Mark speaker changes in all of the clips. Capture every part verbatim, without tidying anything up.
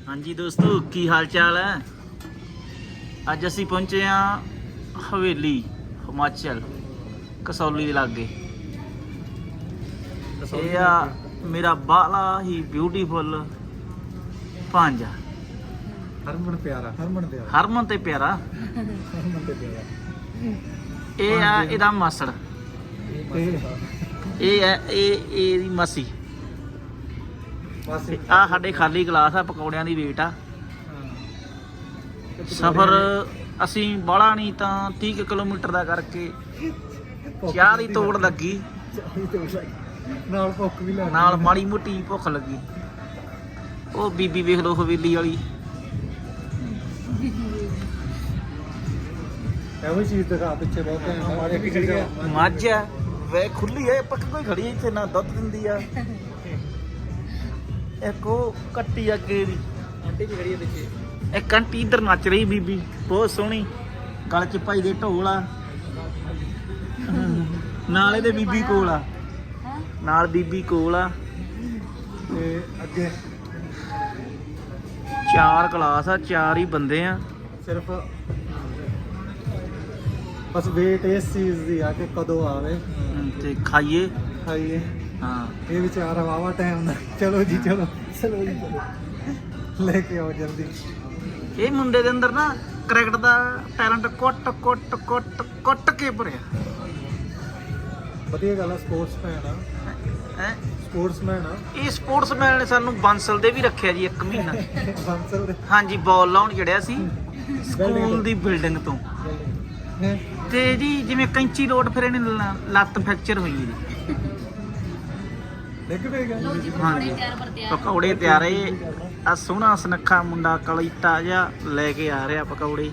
Speaker 1: हाँ जी दोस्तों की हाल चाल है। अज असी पहुंचे हाँ हवेली हिमाचल कसौली के लागे। ये आ मेरा बाला ही ब्यूटीफुल भांजा
Speaker 2: हरमन प्यारा हरमन प्यारा
Speaker 1: हरमन ते प्यारा
Speaker 2: हरमन ते प्यारा
Speaker 1: ये आ इहदा मासड़ ये है ये दी मासी
Speaker 2: बस
Speaker 1: आ साडे खाली गलास आ पकौड़ियां दी वेट आ। सफर असी बाला नहीं तो तीह किलोमीटर का करके चाह की तोड़ लगी
Speaker 2: नाल भुख भी लग
Speaker 1: नाल माड़ी मोटी भुख लगी। ओ बीबी वेख लो हवेली वाली
Speaker 2: एवं चीज दिखा पिछे बहुत है
Speaker 1: मझ है वे खुली है पक कोई खड़ी है इतने ना दुध दिंदी आ। एक वो कट्टी अगे दी आंटी भी खड़ी है पिछे एक आंटी इधर नच रही बीबी बहुत सोहनी गल च भाई दे ढोल आ नाल इहदे बीबी कोल आ नाल बीबी कोल आ
Speaker 2: ते अगे
Speaker 1: चार क्लास आ चार ही बंदे आ।
Speaker 2: सिर्फ बस वेट इस चीज दी आ कि कदों आवे
Speaker 1: ते खाइए
Speaker 2: खाइए।
Speaker 1: हाँ
Speaker 2: ये विचार वावा टाइम ना चलो जी चलो चलो जी चलो लेके आओ जल्दी।
Speaker 1: ये मुंडे दे अंदर ना क्रिकेट दा टैलेंट कुट कुट कुट कुट के भरिया
Speaker 2: ਵਧੀਆ ਗੱਲ ਆ ਸਪੋਰਟਸਮੈਨ ਆ
Speaker 1: है।
Speaker 2: ਸਪੋਰਟਸਮੈਨ ਆ
Speaker 1: ਇਹ ਸਪੋਰਟਸਮੈਨ ਨੇ ਸਾਨੂੰ ਬਾਂਸਲ ਦੇ ਵੀ ਰੱਖਿਆ ਜੀ ਇੱਕ ਮਹੀਨਾ।
Speaker 2: ਬੰਸਲ ਦੇ
Speaker 1: ਹਾਂਜੀ ਬਾਲ ਲਾਉਣ ਚੜਿਆ ਸੀ ਸਕੂਲ ਦੀ ਬਿਲਡਿੰਗ ਤੋਂ
Speaker 2: ਹੈ
Speaker 1: ਤੇ ਜੀ ਜਿਵੇਂ ਕੈਂਚੀ ਲੋਟ ਫਿਰ ਇਹਨੇ ਲ- ਲੱਤ ਫ੍ਰੈਕਚਰ ਹੋਈ ਜੀ।
Speaker 2: ਡਿੱਗ ਪਏਗਾ
Speaker 1: ਹਾਂਜੀ ਪਕੌੜੇ ਤਿਆਰੇ ਆ ਸੋਹਣਾ ਸੁਨੱਖਾ ਮੁੰਡਾ ਕਲੀਤਾ ਜਿਹਾ ਲੈ ਕੇ ਆ ਰਿਹਾ ਪਕੌੜੇ।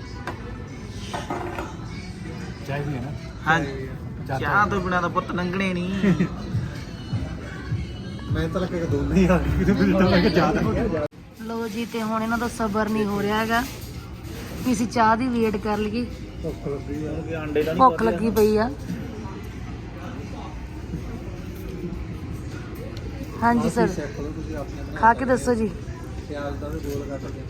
Speaker 2: ਚਾਹੀਦੀ ਹੈ ਨਾ
Speaker 1: ਹਾਂਜੀ ਚਾਹ ਤੋਂ ਬਿਨਾਂ ਤਾਂ ਪੁੱਤ ਲੰਘਣੇ ਨਹੀਂ।
Speaker 2: ਮੈਂ ਤਾਂ ਲੱਗਾ ਕਿ ਦੋਨੇ ਹੀ ਆ ਗਏ ਕਿਤੇ ਮੈਨੂੰ ਤਾਂ ਲੱਗਾ ਜ਼ਿਆਦਾ ਹੋ ਗਿਆ।
Speaker 3: ਲੋ ਜੀ ਤੇ ਹੁਣ ਇਹਨਾਂ ਦਾ ਸਬਰ ਨਹੀਂ ਹੋ ਰਿਹਾ ਹੈਗਾ ਵੀ ਅਸੀਂ ਚਾਹ ਦੀ ਵੇਟ ਕਰ ਲਈਏ।
Speaker 2: ਭੁੱਖ ਲੱਗੀ ਆ
Speaker 1: ਅੰਡੇ ਦਾ
Speaker 3: ਭੁੱਖ ਲੱਗੀ ਪਈ ਆ। ਹਾਂਜੀ ਸਰ
Speaker 2: ਚੈੱਕ ਕਰੋ ਤੁਸੀਂ ਆਪਣੇ
Speaker 3: ਖਾ ਕੇ ਦੱਸੋ ਜੀ।
Speaker 2: ਪਿਆਜ਼ ਦਾ ਵੀ ਗੋਲ ਕੱਟ ਕੇ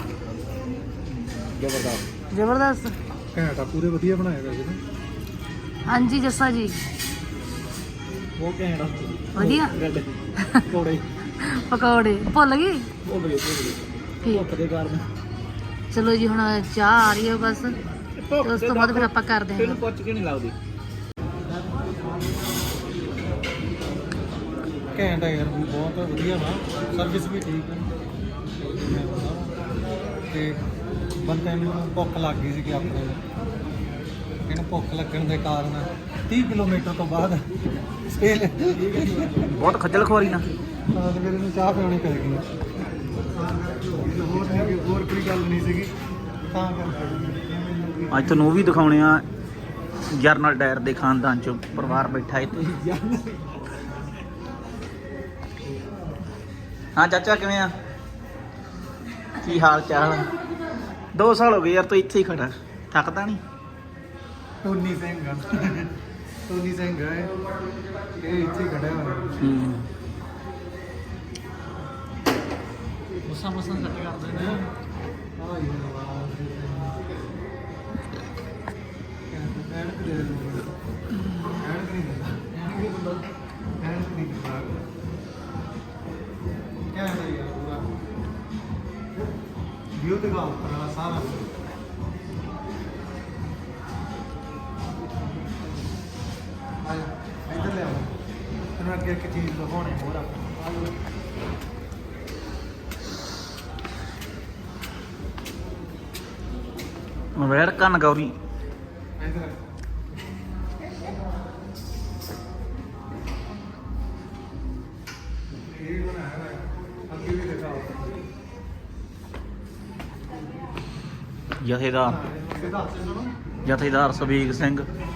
Speaker 2: ਜ਼ਬਰਦਸਤ
Speaker 3: ਜ਼ਬਰਦਸਤ।
Speaker 2: ਘੈਂਟਾ ਪੂਰੇ ਵਧੀਆ ਬਣਾਏ ਗਏ ਨੇ।
Speaker 3: ਹਾਂਜੀ ਜੱਸਾ ਜੀ
Speaker 2: ਉਹ ਘੈਂਟਾ
Speaker 3: ਵਧੀਆ
Speaker 2: ਕੋੜੇ
Speaker 3: ਪਕੌੜੇ ਭੁੱਲ ਗਈ
Speaker 2: ਉਹ ਬੜੇ
Speaker 3: ਠੀਕ।
Speaker 2: ਭੁੱਖ ਦੇ ਕਾਰਨ
Speaker 3: ਚਲੋ ਜੀ ਹੁਣ ਚਾਹ ਆ ਰਹੀ ਹੈ ਬਸ ਤੇ ਉਸ ਤੋਂ ਬਾਅਦ ਫਿਰ ਆਪਾਂ ਕਰਦੇ ਹਾਂ।
Speaker 1: ਇਹਨੂੰ ਪੁੱਛ ਕੇ ਨਹੀਂ ਲੱਗਦੀ।
Speaker 2: ਘੈਂਟ ਹੈ ਯਾਰ ਬਹੁਤ ਵਧੀਆ ਵਾ ਸਰਵਿਸ ਵੀ ਠੀਕ ਹੈ ਤੇ ਬੰਦੇ ਨੂੰ ਭੁੱਖ ਲੱਗ ਗਈ ਸੀ ਕਿ ਆਪਣੇ ਨੂੰ ਇਹਨੂੰ ਭੁੱਖ ਲੱਗਣ ਦੇ ਕਾਰਨ ਤੀਹ ਕਿਲੋਮੀਟਰ ਤੋਂ ਬਾਅਦ ਸੇਲ
Speaker 1: ਬਹੁਤ ਖੱਜਲ ਖੁਆਰੀ ਨਾ
Speaker 2: ਤਾਂ ਤੇ ਫਿਰ ਇਹਨੂੰ ਚਾਹ ਪਿਉਣੀ ਪੈ ਗਈ। ਹੋਰ ਨਹੀਂ ਹੋਰ ਕੋਈ ਗੱਲ ਨਹੀਂ ਸੀਗੀ ਤਾਂ ਕਰਕੇ
Speaker 1: ਅੱਜ ਤੁਹਾਨੂੰ ਉਹ ਵੀ ਦਿਖਾਉਣੇ ਆ ਜਰਨਲ ਡਾਇਰ ਦੇ ਖਾਨਦਾਨ ਚੋਂ ਪਰਿਵਾਰ ਬੈਠਾ ਇੱਥੇ। ਹਾਂ ਚਾਚਾ ਕਿਵੇਂ ਆ ਕੀ ਹਾਲ ਚਾਲ? ਦੋ ਸਾਲ ਹੋ ਗਏ ਯਾਰ ਤੂੰ ਇੱਥੇ ਹੀ ਖੜਾ ਥੱਕਦਾ ਨਹੀਂ?
Speaker 2: ਟੋਨੀ ਸਿੰਘ ਟੋਨੀ ਸਿੰਘ ਹੈ ਇਹ ਇੱਥੇ ਖੜਿਆ ਹੋਇਆ
Speaker 1: ਹੂੰ ਮਸਾਂ ਮਸਾਂ ਸੱਟ ਕਰਦੇ ਨੇ।
Speaker 2: ਆ ਇਹ ਨਵਾਜ਼ ਐਨਕ ਦੇ ਦੋ ਐਨਕ ਨਹੀਂ ਦਿੰਦਾ ਐਨਕ ਨਹੀਂ ਦਿੰਦਾ ਐਨਕ ਨਹੀਂ ਦਿੰਦਾ ਕਿਆ ਹੈ ਯਾਰ ਪੂਰਾ ਵੀਡੀਓ ਤੇ ਗੱਲ ਕਰਨਾ ਸਾਰਾ ਆਇਆ ਇੱਧਰ ਲੈ ਆਓ ਤੈਨੂੰ ਅੱਗੇ ਇੱਕ ਚੀਜ਼ ਦਿਖਾਉਣੀ ਹੋਰ ਆਪਾਂ
Speaker 1: ਵੈੜ ਕੰਨ ਗੌਰੀ
Speaker 2: ਇੱਧਰ ਇਹ ਬਣਾਇਆ ਹੋਇਆ ਅੱਗੇ ਵੀ ਦਿਖਾਓ
Speaker 1: ਜਥੇਦਾਰ
Speaker 2: ਸਿੱਧਾ ਹੱਥ ਸੁਣੋ
Speaker 1: ਜਥੇਦਾਰ ਸਵੀਗ ਸਿੰਘ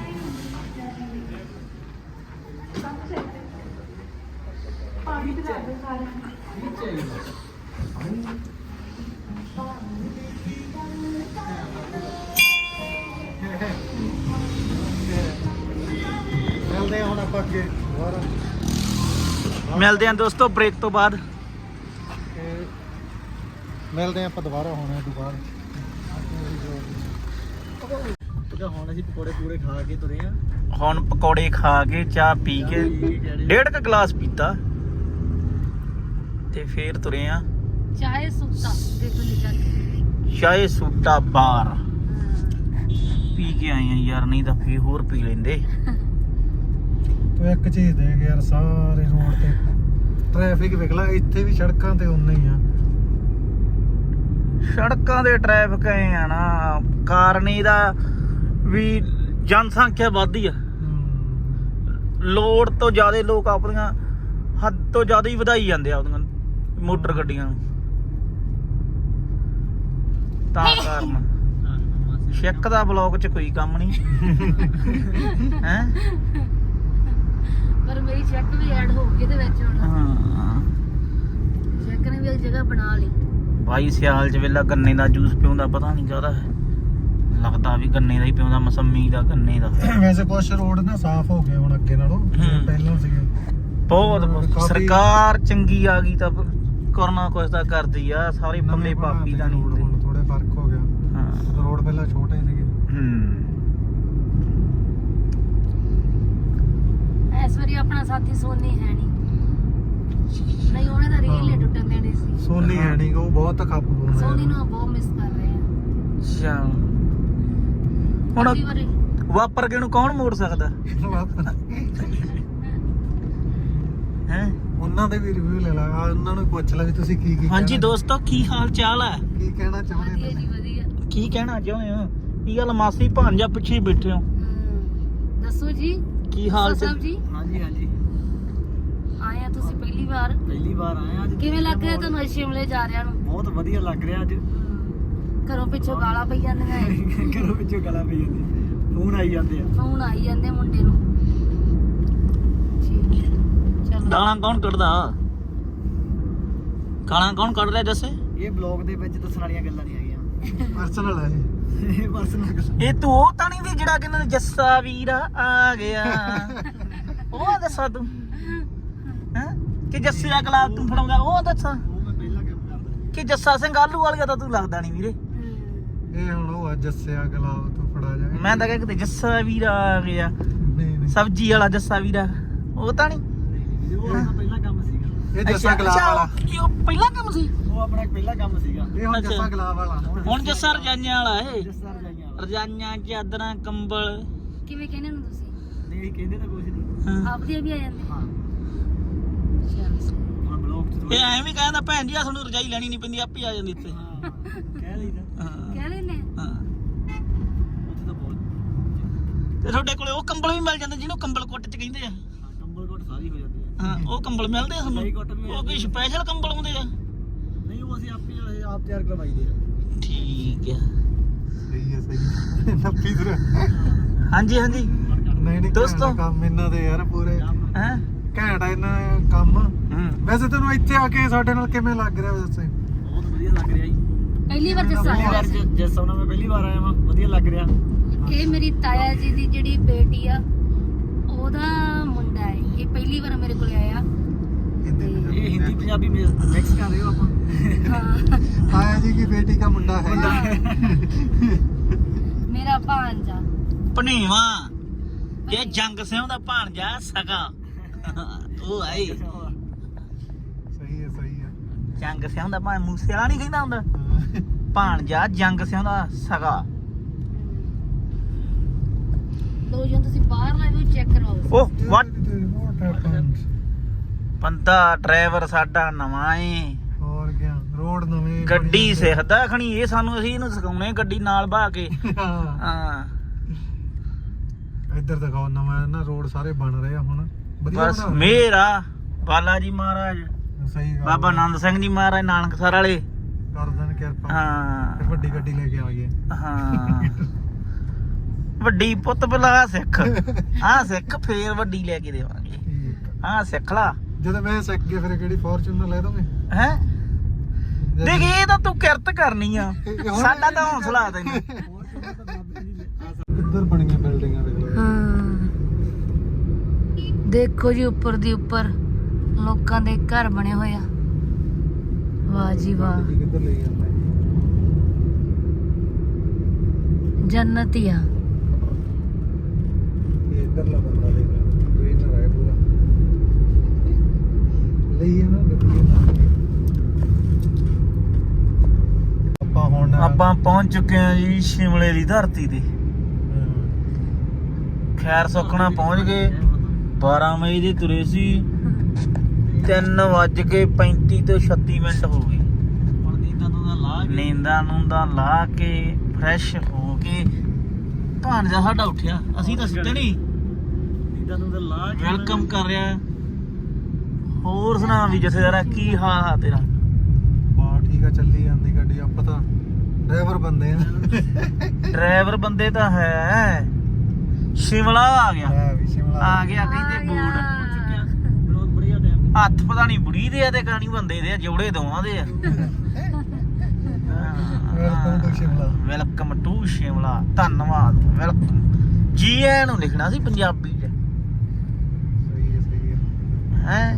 Speaker 2: ਮਿਲਦੇ ਹਾਂ ਹੁਣ ਆਪਾਂ ਅੱਗੇ ਦੁਬਾਰਾ
Speaker 1: ਮਿਲਦੇ ਆਂ ਦੋਸਤੋ ਬ੍ਰੇਕ ਤੋਂ ਬਾਅਦ।
Speaker 2: ਤੇ ਮਿਲਦੇ ਆਪਾਂ ਦੁਬਾਰਾ ਹੁਣ ਇਹ ਦੁਬਾਰਾ ਹੁਣ ਅਸੀਂ ਪਕੌੜੇ ਪੂਰੇ ਖਾ ਕੇ ਤੁਰੇ ਆ।
Speaker 1: ਹੁਣ ਪਕੌੜੇ ਖਾ ਕੇ ਚਾਹ ਪੀ ਕੇ ਡੇਢ ਕ ਗਲਾਸ ਪੀਤਾ ਤੇ ਫੇਰ ਤੁਰੇ ਆ
Speaker 3: ਚਾਹੇ ਸੁੱਤਾ ਦੇਖੋ ਲਿਖਿਆ
Speaker 1: ਚਾਹੇ ਸੂਟਾ ਬਾਰ ਪੀ ਕੇ ਆਏ ਆ ਯਾਰ, ਨਹੀਂ ਤਾਂ ਫੇਰ ਹੋਰ ਪੀ ਲੈਂਦੇ।
Speaker 2: ਤੂੰ ਇੱਕ ਚੀਜ਼ ਦੇਖ ਯਾਰ, ਸਾਰੇ ਰੋਡ ਤੇ ਟ੍ਰੈਫਿਕ ਵੇਖ ਲੈ, ਇੱਥੇ ਵੀ ਸੜਕਾਂ ਤੇ ਉਨਾ ਹੀ ਆ।
Speaker 1: ਸੜਕਾਂ ਦੇ ਟ੍ਰੈਫਿਕ ਐ ਆ ਨਾ, ਕਾਰਨ ਇਹਦਾ ਵੀ ਜਨਸੰਖਿਆ ਵੱਧਦੀ ਆ। ਲੋੜ ਤੋਂ ਜ਼ਿਆਦਾ ਲੋਕ ਆਪਣੀਆਂ ਹੱਦ ਤੋਂ ਜ਼ਿਆਦਾ ਹੀ ਵਧਾਈ ਜਾਂਦੇ ਆ ਆਪਣੀਆਂ ਮੋਟਰ ਗੱਡੀਆਂ ਨੂੰ, ਤਾਂ ਕਾਰਨ ਸ਼ਿੱਕ ਦਾ ਬਲੌਕ 'ਚ ਕੋਈ ਕੰਮ ਨਹੀਂ ਹੈ।
Speaker 3: ਪਰ ਮੇਰੀ ਚੈੱਕ ਵੀ ਐਡ ਹੋ ਗਈ ਇਹਦੇ ਵਿੱਚ ਹੁਣ।
Speaker 1: ਹਾਂ
Speaker 3: ਚੈੱਕ ਨੇ ਵੀ ਇੱਕ ਜਗ੍ਹਾ ਬਣਾ ਲਈ।
Speaker 1: ਬਾਈ ਸਿਆਲ 'ਚ ਵੇਲਾ ਗੰਨੇ ਦਾ ਜੂਸ ਪਿਉਂਦਾ, ਪਤਾ ਨਹੀਂ ਕਾਹਦਾ ਹੈ, ਲੱਗਦਾ ਵੀ ਗੰਨੇ ਦਾ ਹੀ ਪਿਉਂਦਾ, ਮਸੰਮੀ ਦਾ, ਗੰਨੇ ਦਾ।
Speaker 2: ਵੈਸੇ ਕੁਛ ਰੋਡ ਨਾ ਸਾਫ਼ ਹੋ ਗਏ ਹੁਣ ਅੱਗੇ ਨਾਲੋਂ, ਪਹਿਲਾਂ ਸੀਗੇ
Speaker 1: ਬਹੁਤ
Speaker 2: ਕਾਫੀ-
Speaker 1: ਸਰਕਾਰ ਚੰਗੀ ਆ ਗਈ ਤਾਂ ਕਰਨਾ ਕੁਛ ਤਾਂ ਕਰਦੀ ਆ, ਸਾਰੇ ਪੱਲੇ ਪਾਪੀ ਦਾ ਨਹੀਂ
Speaker 2: ਰੋਡ
Speaker 1: ਹੁੰਦੇ।
Speaker 2: ਹੁਣ ਥੋੜੇ ਫਰਕ ਹੋ ਗਿਆ।
Speaker 1: ਹਾਂ
Speaker 2: ਰੋਡ ਪਹਿਲਾਂ ਛੋਟੇ ਸੀਗੇ।
Speaker 1: ਹੂੰ
Speaker 3: ਇਸ ਵਾਰੀ ਆਪਣਾ ਸਾਥੀ ਸੋਨੀ ਹੈ ਨਹੀਂ, ਨਹੀਂ ਉਹਨੇ ਤਾਂ ਰੀਲ ਹੀ ਟੁੱਟਣ ਦੇਣੀ ਸੀ।
Speaker 2: ਸੋਨੀ ਹੈ ਨਹੀਂ, ਉਹ ਬਹੁਤ ਖੱਪ ਬੋਲਦਾ
Speaker 3: ਸੋਨੀ ਨੂੰ ਬਹੁਤ ਮਿਸ ਕਰ ਰਹੇ ਆ।
Speaker 1: ਅੱਛਾ ਹੁਣ
Speaker 3: ਅਗਲੀ ਵਾਰੀ
Speaker 1: ਵਾਪਰ ਕੇ ਨੂੰ ਕੌਣ ਮੋੜ ਸਕਦਾ ਹੈ।
Speaker 2: ਉਹਨਾਂ ਦੇ ਵੀ ਰਿਵਿਊ ਲੈ ਲਾ, ਆਹ ਉਹਨਾਂ ਨੂੰ ਪੁੱਛ ਲੈ ਵੀ ਤੁਸੀਂ ਕੀ ਕੀ
Speaker 1: ਹਾਂਜੀ
Speaker 2: ਕਹਿਣਾ-
Speaker 1: ਦੋਸਤੋ, ਕੀ ਹਾਲ ਚਾਲ ਹੈ?
Speaker 2: ਕੀ ਕਹਿਣਾ ਚਾਹੁੰਦੇ
Speaker 3: ਵਧੀਆ
Speaker 2: ਹੋ
Speaker 3: ਜੀ ਵਧੀਆ।
Speaker 1: ਕੀ ਕਹਿਣਾ ਚਾਹੁੰਦੇ ਹੋ? ਕੀ ਗੱਲ ਮਾਸੀ ਭਾਂਜਾ ਪਿੱਛੇ ਹੀ ਬੈਠੇ ਹੋ?
Speaker 3: ਹਮ, ਦੱਸੋ ਜੀ
Speaker 1: ਕੀ ਹਾਲ
Speaker 3: ਸਾਹਿਬ
Speaker 1: ਚਾਲ?
Speaker 3: ਜੀ?
Speaker 2: ਹਾਂਜੀ ਹਾਂਜੀ,
Speaker 3: ਆਏ ਆ ਤੁਸੀਂ ਪਹਿਲੀ ਵਾਰ,
Speaker 2: ਪਹਿਲੀ ਵਾਰ ਆਏ ਆ ਅੱਜ।
Speaker 3: ਕਿਵੇਂ ਲੱਗ ਰਿਹਾ ਤੁਹਾਨੂੰ ਸ਼ਿਮਲੇ ਜਾ ਰਿਹਾ ਨੂੰ?
Speaker 2: ਬਹੁਤ ਵਧੀਆ ਲੱਗ ਰਿਹਾ ਅੱਜ।
Speaker 3: ਘਰੋਂ ਪਿੱਛੋਂ ਗਾਲਾਂ ਪਈ ਜਾਂਦੀਆਂ ਐ,
Speaker 2: ਘਰੋਂ ਵਿੱਚੋਂ ਗਾਲਾਂ ਪਈ ਜਾਂਦੀ, ਫੋਨ ਆਈ ਜਾਂਦੇ ਆ।
Speaker 3: ਫੋਨ ਆਈ ਜਾਂਦੇ ਮੁੰਡੇ ਨੂੰ। ਠੀਕ ਹੈ, ਚਲੋ।
Speaker 1: ਗਾਲਾਂ ਕੌਣ ਕੱਢਦਾ? ਗਾਲਾਂ ਕੌਣ ਕੱਢ ਰਿਹਾ ਜੱਸੇ?
Speaker 2: ਇਹ ਬਲੌਗ ਦੇ ਵਿੱਚ ਦੱਸਣ ਵਾਲੀਆਂ ਗੱਲਾਂ ਨਹੀਂ ਹੈਗੀਆਂ, ਪਰਸਨਲ ਹੈ ਇਹ, ਪਰਸਨਲ ਗੱਲਾਂ।
Speaker 1: ਇਹ ਤੂੰ ਉਹ ਤਾਂ ਨਹੀਂ ਵੀ ਜਿਹੜਾ ਕਹਿੰਦਾ ਜੱਸਾ ਵੀਰਾ ਆ ਗਿਆ ਉਹ ਆ ਦੱਸਾ ਤੂੰ ਹੈ ਕਿ ਜੱਸੇ ਦਾ ਗਲਾਸ ਤੂੰ ਫੜਾਉਂਦਾ ਉਹ ਦੱਸਾਂ,
Speaker 2: ਉਹ ਮੈਂ ਪਹਿਲਾਂ ਕੰਮ ਕਰਦਾ।
Speaker 1: ਕਿ ਜੱਸਾ ਸਿੰਘ ਆਲੂ ਵਾਲੀਆ ਤਾਂ ਤੂੰ ਲੱਗਦਾ ਨਹੀਂ ਵੀਰੇ।
Speaker 3: ਹਮ,
Speaker 2: ਇਹ ਹੁਣ ਉਹ ਆ ਜੱਸਿਆ ਗਲਾਬ ਤੋਂ ਫੜਾ ਜਾ।
Speaker 1: ਮੈਂ ਤਾਂ ਕਿਹਾ ਕਿਤੇ ਜੱਸਾ ਵੀਰਾ ਆ ਗਿਆ,
Speaker 2: ਨਹੀਂ ਨਹੀਂ,
Speaker 1: ਸਬਜ਼ੀ ਵਾਲਾ ਜੱਸਾ ਵੀਰਾ, ਉਹ ਤਾਂ ਨਹੀਂ।
Speaker 2: ਉਹ ਆਪਣਾ ਪਹਿਲਾ ਕੰਮ ਸੀਗਾ। ਇਹ ਜੱਸਾ
Speaker 1: ਅੱਛਾ,
Speaker 2: ਗਲਾਬ
Speaker 1: ਅੱਛਾ,
Speaker 2: ਵਾਲਾ,
Speaker 1: ਕੀ ਉਹ ਪਹਿਲਾ ਕੰਮ ਸੀ?
Speaker 2: ਉਹ ਆਪਣਾ ਪਹਿਲਾ ਕੰਮ ਸੀਗਾ। ਇਹ ਹੁਣ
Speaker 1: ਅੱਛਾ।
Speaker 2: ਜੱਸਾ ਗਲਾਬ ਵਾਲਾ,
Speaker 1: ਹੁਣ ਜੱਸਾ ਰਜਾਈਆਂ ਵਾਲਾ ਏ।
Speaker 2: ਜੱਸਾ ਰਜਾਈਆਂ ਵਾਲਾ।
Speaker 1: ਰਜਾਈਆਂ, ਚਾਦਰਾਂ, ਕੰਬਲ।
Speaker 3: ਕਿਵੇਂ ਕਹਿੰਦੇ ਨੂੰ ਤੁਸੀਂ?
Speaker 2: ਨਹੀਂ ਕਹਿੰਦੇ ਤਾਂ ਕੁਝ ਨਹੀਂ।
Speaker 1: ਹਾਂ।
Speaker 3: ਆਪਦੇ ਵੀ ਆ ਜਾਂਦੇ।
Speaker 2: ਹਾਂ,
Speaker 3: ਚਲ ਸਹੀ।
Speaker 2: ਹੁਣ ਬਲੌਗ ਚ
Speaker 1: ਇਹ ਐਵੇਂ ਕਹਿੰਦਾ ਭੈਣ ਜੀ ਆ ਤੁਹਾਨੂੰ ਰਜਾਈ ਲੈਣੀ ਨਹੀਂ ਪੈਂਦੀ, ਆਪੇ ਆ ਜਾਂਦੀ ਇੱਥੇ।
Speaker 2: ਹਾਂ, ਕਹਿ ਲਈਦਾ।
Speaker 1: ਹਾਂ
Speaker 3: ਕਹਿ ਲੈਨੇ
Speaker 1: ਹਾਂ।
Speaker 2: ਉੱਥੇ ਤਾਂ ਬਹੁਤ
Speaker 1: ਤੇ ਤੁਹਾਡੇ ਕੋਲੇ ਉਹ ਕੰਬਲ ਵੀ ਮਿਲ ਜਾਂਦੇ ਜਿਹਨੂੰ ਕੰਬਲ ਕੁੱਟ ਚ ਕਹਿੰਦੇ ਆ।
Speaker 2: ਹਾਂ, ਕੰਬਲ ਕੋਟ ਸਾਰੀ ਹੋ ਜਾਂਦੀ ਹੈ।
Speaker 1: ਹਾਂ ਉਹ ਕੰਬਲ ਮਿਲਦੇ ਆ
Speaker 2: ਕਈ
Speaker 1: ਤੁਹਾਨੂੰ?
Speaker 2: ਕੁੱਟ ਵੀ
Speaker 1: ਉਹ ਕੋਈ ਸਪੈਸ਼ਲ ਕੰਬਲ ਹੁੰਦੇ ਆ?
Speaker 2: ਨਹੀਂ, ਉਹ ਅਸੀਂ ਆਪੇ ਇਹ ਆਪ ਤਿਆਰ ਕਰਵਾਈਦੇ ਆ।
Speaker 1: ਠੀਕ ਆ।
Speaker 2: ਸਹੀ ਹੈ ਸਹੀ। ਨੱਪੀ ਦਰ
Speaker 1: ਹਾਂਜੀ ਹਾਂਜੀ
Speaker 2: ਨਹੀਂ ਨਹੀਂ
Speaker 1: ਦੋਸਤੋ।
Speaker 2: ਦੋਸਤੋ, ਕੰਮ ਇਹਨਾਂ ਦੇ ਯਾਰ ਪੂਰੇ
Speaker 1: ਹੈ।
Speaker 2: ਘੈਂਟ ਆ ਇਹਨਾਂ ਦਾ ਕੰਮ।
Speaker 1: ਹੂੰ
Speaker 2: ਵੈਸੇ ਤੈਨੂੰ ਇੱਥੇ ਆ ਕੇ ਸਾਡੇ ਨਾਲ ਕਿਵੇਂ ਲੱਗ ਰਿਹਾ ਵੈਸੇ? ਬਹੁਤ ਵਧੀਆ ਲੱਗ ਰਿਹਾ ਜੀ।
Speaker 3: ਪਹਿਲੀ ਵਾਰ ਜੱਸਾ
Speaker 2: ਪਹਿਲੀ
Speaker 3: ਆਇਆ
Speaker 2: ਵਾਰ
Speaker 3: ਸੀ।
Speaker 2: ਜਿਸ ਸਾਲ ਮੈਂ ਪਹਿਲੀ ਵਾਰ ਆਇਆ ਵਾਂ, ਵਧੀਆ ਲੱਗ ਰਿਹਾ।
Speaker 3: ਇਹ ਮੇਰੀ ਤਾਇਆ ਜੀ ਦੀ ਜਿਹੜੀ ਬੇਟੀ ਆ, ਉਹਦਾ ਮੁੰਡਾ ਹੈ। ਇਹ ਪਹਿਲੀ ਵਾਰ ਮੇਰੇ ਕੋਲ ਆਇਆ।
Speaker 2: ਇਹ ਹਿੰਦੀ ਪੰਜਾਬੀ ਮਿਕਸ ਕਰ ਰਹੇ ਹੋ ਆਪਾਂ।
Speaker 3: ਹਾਂ,
Speaker 2: ਤਾਇਆ ਜੀ की बेटी का मुंडा है।
Speaker 3: ਮੇਰਾ ਭਾਂਜਾ।
Speaker 1: ਭਣੇਵਾ ਇਹ ਜੰਗ ਸਿੰਘ ਦਾ ਭਾਣਜਾ ਸਗਾ ਉਹ ਆਈ
Speaker 2: ਸਹੀ ਹੈ ਸਹੀ ਹੈ।
Speaker 1: ਜੰਗ ਸਿੰਘ ਦਾ ਭਾਣ ਮੂਸੇ ਵਾਲਾ ਨਹੀਂ ਕਹਿੰਦਾ ਹੁੰਦਾ, ਭਾਣਜਾ ਜੰਗ ਸਿੰਘ ਦਾ ਸਗਾ।
Speaker 3: ਲੋ ਜੀ ਤੁਸੀਂ ਬਾਹਰ ਲਾਈਵ ਵੀ ਚੈੱਕ ਕਰਵਾਓ।
Speaker 1: ਉਹ ਵਾਟ
Speaker 2: What happened?
Speaker 1: ਬੰਦਾ ਡਰਾਈਵਰ ਸਾਡਾ ਨਵਾਂ ਏ,
Speaker 2: ਹੋਰ ਗਿਆ ਰੋਡ ਨਵੇਂ
Speaker 1: ਗੱਡੀ ਸਿੱਖਦਾ ਖਣੀ ਇਹ, ਸਾਨੂੰ ਅਸੀਂ ਇਹਨੂੰ ਸਿਖਾਉਣੇ ਗੱਡੀ ਨਾਲ ਬਹਾ ਕੇ।
Speaker 2: ਹਾਂ,
Speaker 1: ਹਾਂ
Speaker 2: ਇੱਧਰ ਦਿਖਾਓ ਨਵਾਂ ਨਾ ਰੋਡ ਸਾਰੇ ਬਣ ਰਹੇ ਆ ਹੁਣ ਵਧੀਆ
Speaker 1: ਬਸ
Speaker 2: ਬਣਾ ਰਹੇ।
Speaker 1: ਮੇਰਾ ਬਾਲਾ ਜੀ ਮਹਾਰਾਜ,
Speaker 2: ਸਹੀ ਗੱਲ
Speaker 1: ਬਾਬਾ ਆਨੰਦ ਸਿੰਘ ਜੀ ਮਹਾਰਾਜ ਨਾਨਕਸਰ ਵਾਲੇ।
Speaker 2: ਕਰ ਦੇਣ ਕਿਰਪਾ। ਫਿਰ
Speaker 1: ਹਾਂ
Speaker 2: ਵੱਡੀ ਗੱਡੀ ਲੈ ਕੇ ਆ ਗਏ।
Speaker 1: ਹਾਂ ਵੱਡੀ ਪੁੱਤ ਬਲਾ ਸਿੱਖ, ਹਾਂ ਸਿੱਖ ਫੇਰ ਵੱਡੀ ਲੈ ਕੇ ਦੇਵਾਂਗੇ।
Speaker 2: ਠੀਕ ਆ।
Speaker 1: ਹਾਂ ਸਿੱਖ ਲਾ।
Speaker 2: ਜਦੋਂ ਮੈਂ ਸਿੱਖ ਗਿਆ ਫਿਰ ਕਿਹੜੀ ਫੋਰਚੂਨਰ ਲੈ ਦੋਗੇ?
Speaker 1: ਹੈ ਦੇਖ ਇਹ ਤਾਂ ਤੂੰ ਕਿਰਤ ਕਰਨੀ ਆ, ਸਾਡਾ ਤਾਂ ਹੌਸਲਾ ਤੈਨੂੰ।
Speaker 2: ਇੱਧਰ ਬਣੀਆਂ ਬਿਲਡਿੰਗਾਂ ਦੇਖ ਲਓ।
Speaker 3: ਹਾਂ, ਦੇਖੋ ਜੀ ਉੱਪਰ ਦੀ ਉੱਪਰ ਲੋਕਾਂ ਦੇ ਘਰ ਬਣੇ ਹੋਏ ਆ। ਵਾਹ ਜੀ ਵਾਹ,
Speaker 2: ਜੀ ਕਿੱਧਰ ਲਈ ਜਾਂਦਾ
Speaker 3: ਜੰਨਤ ਹੀ ਆ।
Speaker 2: ਇਹ ਇੱਧਰਲਾ ਬੰਦਾ ਦੇਖ ਕੋਈ ਨਾ ਰਾਏ ਪੂਰਾ ਲਈ ਨਾ ਗੱਡੀ ਨਾਲ। ਆਪਾਂ ਹੁਣ
Speaker 1: ਆਪਾਂ ਪਹੁੰਚ ਚੁੱਕੇ ਹਾਂ ਜੀ ਸ਼ਿਮਲੇ ਦੀ ਧਰਤੀ ਤੇ।
Speaker 2: ਹਮ,
Speaker 1: ਖੈਰ ਸੁਖਣਾ ਪਹੁੰਚ ਗਏ। ਬਾਰਾਂ ਮਈ ਦੇ ਤੁਰੇ ਸੀ, ਤਿੰਨ ਵੱਜ ਕੇ ਪੈਂਤੀ ਤੋਂ ਛੱਤੀ ਮਿੰਟ ਹੋ ਗਏ।
Speaker 2: ਹੁਣ ਨੀਂਦਾਂ ਨੂੰ ਦਾ ਲਾ ਕੇ
Speaker 1: ਨੀਂਦਾਂ ਨੂੰ ਦਾ ਲਾ ਕੇ ਫਰੈਸ਼ ਹੋ ਕੇ ਭਾਣਜਾ ਸਾਡਾ ਉੱਠਿਆ, ਅਸੀਂ ਤਾਂ ਸੁੱਤੇ ਨਹੀਂ।
Speaker 2: ਨੀਂਦਾਂ ਨੂੰ ਦਾ ਲਾ ਕੇ
Speaker 1: ਵੈਲਕਮ ਕਰ ਰਿਹਾ। ਹੋਰ ਸੁਣਾ ਵੀ ਜਥੇਦਾਰਾ, ਕੀ ਹਾਲ ਆ ਤੇਰਾ?
Speaker 2: ਬਾ ਠੀਕ ਆ, ਚੱਲੀ ਜਾਂਦੀ ਗੱਡੀ। ਆਪਾਂ ਤਾਂ ਡਰਾਈਵਰ ਬੰਦੇ ਆ।
Speaker 1: ਡਰਾਈਵਰ ਬੰਦੇ ਤਾਂ ਹੈ। ਸ਼ਿਮਲਾ ਆ ਗਿਆ,
Speaker 2: ਮੈਂ ਵੀ ਸ਼ਿਮਲਾ
Speaker 1: ਆ ਗਿਆ ਕਹਿੰਦੇ ਬੂਟ।
Speaker 2: ਬਹੁਤ ਬੜੀਆ ਟਾਈਮ।
Speaker 1: ਹੱਥ ਪਤਾ ਨਹੀਂ ਬੁੜੀ ਦੇ ਆ ਤੇ ਕਾਣੀ ਬੰਦੇ ਦੇ ਆ, ਜੋੜੇ ਦੋਵਾਂ ਦੇ ਆ।
Speaker 2: Welcome to Shimla.
Speaker 1: Welcome to Shimla, ਧੰਨਵਾਦ, ਵੈਲਕਮ। ਜੀ ਐ ਨੂੰ ਲਿਖਣਾ ਸੀ ਪੰਜਾਬੀ ਚ,
Speaker 2: ਸਹੀ ਹੈ ਸਹੀ ਹੈ।
Speaker 1: ਹੈ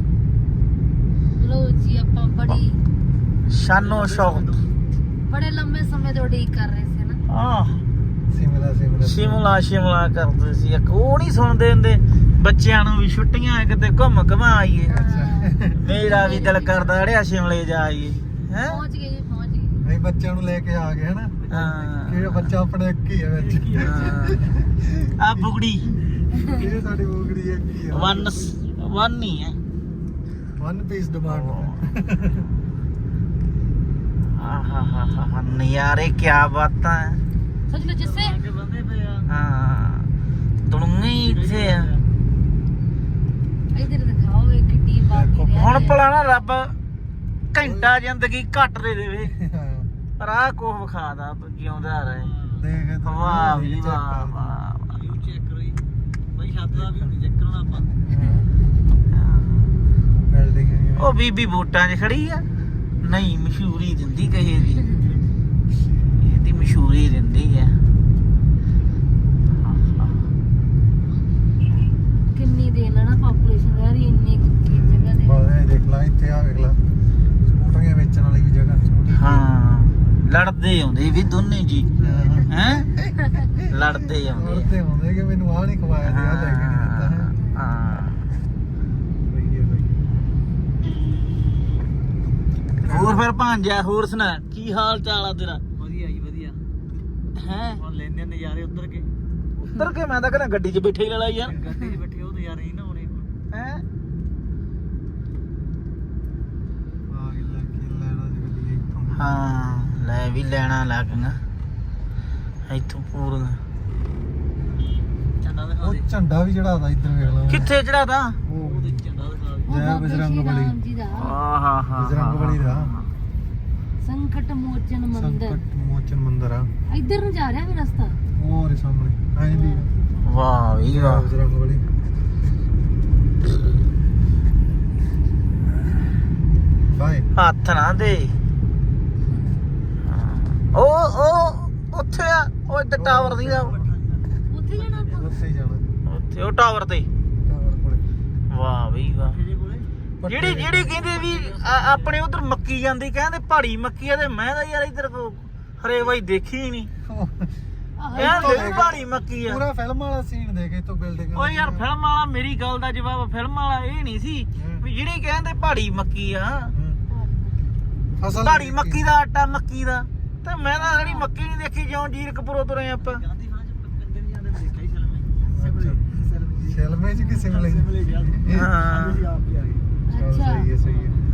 Speaker 3: ਲੋ ਜੀ ਆਪਾਂ ਬੜੀ
Speaker 1: ਸ਼ਾਨੋ ਸ਼ੌਕਤ।
Speaker 3: ਬੜੇ ਲੰਮੇ ਸਮੇਂ ਤੋਂ ਉਡੀਕ ਕਰ ਰਹੇ ਸੀ ਨਾ।
Speaker 1: ਆਹ
Speaker 2: ਸ਼ਿਮਲਾ ਸ਼ਿਮਲਾ
Speaker 1: ਸ਼ਿਮਲਾ ਸ਼ਿਮਲਾ ਕਰਦੇ ਸੀ। ਇੱਕ ਉਹ ਨਹੀਂ ਸੁਣਦੇ ਹੁੰਦੇ ਬੱਚਿਆਂ ਨੂੰ ਵੀ ਛੁੱਟੀਆਂ ਕਿਤੇ ਘੁੰਮ ਘਮਾ ਆਈਏ। ਮੇਰਾ ਵੀ ਦਿਲ ਕਰਦਾ ਅੜਿਆ ਸ਼ਿਮਲੇ ਜਾ ਆਈਏ। ਹੈ
Speaker 3: ਪਹੁੰਚ ਗਏ ਜੀ, ਪਹੁੰਚ ਗਏ।
Speaker 2: ਅਸੀਂ ਬੱਚਿਆਂ ਨੂੰ ਲੈ ਕੇ ਆ ਗਏ ਹਨਾ।
Speaker 1: ਹਾਂ
Speaker 2: ਕਿ ਬੱਚਾ ਆਪਣੇ ਇੱਕ ਹੀ ਹੈ ਵਿੱਚ।
Speaker 1: ਆ ਬੁਗੜੀ
Speaker 2: ਇਹ ਸਾਡੀ ਬੋਗੜੀ ਇੱਕ ਹੀ ਹੈ।
Speaker 1: ਵਨ ਵਨ ਹੀ ਹੈ।
Speaker 2: One piece demand.
Speaker 1: ਆਹਾ ਹਾ ਹਾ ਹਾ ਨਜ਼ਾਰੇ ਕੀ ਬਾਤਾਂ ਹੈ।
Speaker 3: ਸੱਚ ਵਿੱਚ ਜਿੱਸੇ
Speaker 1: ਹਾਂ ਤੁਣਗੇ ਇੱਥੇ ਆ।
Speaker 3: ਇਧਰ ਦਿਖਾਓ ਇਹ ਕਿੱਡੀ ਬਾਕੀ ਰਹਿ
Speaker 1: ਹੁਣ
Speaker 3: ਗਈ।
Speaker 1: ਭਲਾ ਨਾ ਰੱਬ ਘੰਟਾ ਜ਼ਿੰਦਗੀ ਘੱਟ ਦੇ ਦੇਵੇ, ਪਰ ਆਹ ਕੁਛ ਵਿਖਾਦਾ ਜਿਉਂਦਾ ਰਹੇ।
Speaker 2: ਦੇਖ
Speaker 1: ਵਾਹ ਵੀ ਵਾਹ ਵਾਹ।
Speaker 2: ਚੈੱਕ ਕਰੋ ਜੀ ਬਈ ਛੱਤ ਦਾ ਵੀ ਨਹੀਂ ਚੈੱਕ ਕਰਨਾ ਆਪਾਂ। ਬਿਲਡਿੰਗ
Speaker 1: ਉਹ ਬੀਬੀ ਵੋਟਾਂ 'ਚ ਖੜੀ ਆ, ਨਹੀਂ ਮਸ਼ਹੂਰੀ ਦਿੰਦੀ ਕਹੇ ਦੀ, ਇਹਦੀ ਮਸ਼ਹੂਰੀ ਦਿੰਦੀ ਆ।
Speaker 3: ਕਿੰਨੀ ਦੇ ਲੈਣਾ ਪਾਪੂਲੇਸ਼ਨ ਯਾਰ ਇੰਨੀ ਕੁ ਜਗ੍ਹਾ ਦੇ।
Speaker 2: ਬਾਹਰ ਦੇਖ ਲਾ, ਇੱਥੇ ਆ ਵੇਖ ਲਾ ਸਕੂਟਰੀਆਂ ਵੇਚਣ ਵਾਲੀ ਵੀ ਜਗ੍ਹਾ ਛੋਟੀ।
Speaker 1: ਹਾਂ ਲੜਦੇ ਆਉਂਦੇ ਵੀ ਦੋਨੇ ਜੀ, ਹੈ ਲੜਦੇ ਆਉਂਦੇ
Speaker 2: ਲੜਦੇ ਹੁੰਦੇ ਕਿ ਮੈਨੂੰ ਆਹ ਨਹੀਂ ਖਵਾਇਆ ਤੇ ਆਹ ਲੈ ਕੇ ਨਹੀਂ ਦਿੱਤਾ ਹੈ।
Speaker 1: ਹਾਂ।
Speaker 2: ਸਹੀ ਹੈ ਬਈ।
Speaker 1: ਹੋਰ ਫਿਰ ਭਾਂਜਾ, ਹੋਰ ਸੁਣਾ ਕੀ ਹਾਲ ਚਾਲ ਆ ਤੇਰਾ?
Speaker 2: ਵਧੀਆ ਜੀ ਵਧੀਆ।
Speaker 1: ਹੈ
Speaker 2: ਹੁਣ ਲੈਂਦੇ ਨਜ਼ਾਰੇ ਉੱਤਰ ਕੇ।
Speaker 1: ਉੱਤਰ ਕੇ ਮੈਂ ਤਾਂ ਕਹਿੰਦਾ ਗੱਡੀ 'ਚ ਬੈਠੇ ਹੀ ਲੈ ਲਾ ਯਾਰ।
Speaker 2: ਗੱਡੀ 'ਚ ਬੈਠੇ ਉਹ ਨਜ਼ਾਰੇ ਹੀ ਨਾ ਹੋਣੇ।
Speaker 1: ਹੈ
Speaker 2: ਆ ਕੇ ਲੈ ਕੇ ਲੈਣਾ ਸੀ ਗੱਡੀ ਇੱਥੋਂ।
Speaker 1: ਹਾਂ ਲੈ ਵੀ ਲੈਣਾ ਲੱਗਣਾ ਇੱਥੋਂ ਪੂਰਾ।
Speaker 2: ਝੰਡਾ ਦਿਖਾ ਦੇ। ਉਹ ਝੰਡਾ ਵੀ ਚੜਾਦਾ ਇੱਧਰ ਵੇਖ ਲਾ।
Speaker 1: ਕਿੱਥੇ ਚੜਾਦਾ?
Speaker 2: ਉਹ ਝੰਡਾ ਦਿਖਾ ਦੇ।
Speaker 3: ਉਹ
Speaker 2: ਜੈ
Speaker 3: ਬਾਬਾ
Speaker 2: ਬਜਰੰਗ
Speaker 3: ਸ਼੍ਰੀ
Speaker 2: ਬਲੀ।
Speaker 3: ਰਾਮ ਜੀ ਦਾ
Speaker 1: ਆਹਾ ਹਾ
Speaker 2: ਬਜਰੰਗ ਬਲੀ ਦਾ
Speaker 3: ਸੰਕਟ ਮੋਚਨ ਮੰਦਿਰ।
Speaker 2: ਸੰਕਟ ਮੋਚਨ ਮੰਦਿਰ ਆ।
Speaker 3: ਇੱਧਰ ਨੂੰ ਜਾ ਰਿਹਾ ਵੀ ਰਸਤਾ।
Speaker 2: ਉਹ ਰੇ ਸਾਹਮਣੇ ਐਂ ਦੀ
Speaker 1: ਵਾਹ ਵੀ ਵਾਹ।
Speaker 2: ਬਜਰੰਗ ਬਲੀ। ਬਾਏ।
Speaker 1: ਹੱਥ ਨਾ ਦੇ। ਉਹ ਉਹ ਉੱਥੇ ਆ, ਉਹ ਇੱਥੇ ਟਾਵਰ ਦੀ ਦਾ
Speaker 3: ਉੱਥੇ ਜਾਣਾ ਆਪਾਂ।
Speaker 2: ਉੱਥੇ ਹੀ ਜਾਣਾ।
Speaker 1: ਉੱਥੇ ਉਹ ਟਾਵਰ ਤੇ।
Speaker 2: ਟਾਵਰ ਕੋਲੇ।
Speaker 1: ਵਾਹ ਵੀ ਵਾਹ। ਜਿਹੜੀ ਜਿਹੜੀ ਕਹਿੰਦੇ ਵੀ ਆ- ਆਪਣੇ ਉਧਰ ਮੱਕੀ ਜਾਂਦੀ, ਕਹਿੰਦੇ ਪਹਾੜੀ ਮੱਕੀ ਆ, ਤੇ ਮੈਂ ਤਾਂ ਯਾਰ ਇੱਧਰ ਕੋ ਹਰੇ ਬਾਈ ਦੇਖੀ ਹੀ ਨਹੀਂ।
Speaker 3: ਆਹ
Speaker 1: ਕਹਿੰਦੇ ਪਹਾੜੀ ਮੱਕੀ ਆ।
Speaker 2: ਪੂਰਾ ਫਿਲਮ ਵਾਲਾ ਸੀਨ ਦੇ ਕੇ ਤੋਂ ਬਿਲਡਿੰਗ।
Speaker 1: ਓ ਯਾਰ ਫਿਲਮ ਵਾਲਾ, ਮੇਰੀ ਗੱਲ ਦਾ ਜਵਾਬ ਫਿਲਮ ਵਾਲਾ ਇਹ ਨਹੀਂ ਸੀ ਵੀ ਜਿਹੜੀ ਕਹਿੰਦੇ ਪਹਾੜੀ ਮੱਕੀ ਆ,
Speaker 2: ਫਸਲ
Speaker 1: ਪਹਾੜੀ ਮੱਕੀ ਦਾ ਆਟਾ ਮੱਕੀ ਦਾ। ਤੇ ਮੈਂ ਤਾਂ ਸਾਡੀ ਮੱਕੀ ਨਹੀਂ ਦੇਖੀ, ਜਿਉਂ ਜੀਰਕਪੁਰੋਂ ਤੁਰੇ ਆਪਾਂ।
Speaker 2: ਸ਼ਿਮਲੇ ਚ ਕਿ ਸਿਮਲੇ ਚ?
Speaker 1: ਹਾਂ
Speaker 2: ਚਲੋ
Speaker 3: ਅੱਛਾ
Speaker 2: ਸਹੀ ਹੈ ਸਹੀ ਹੈ।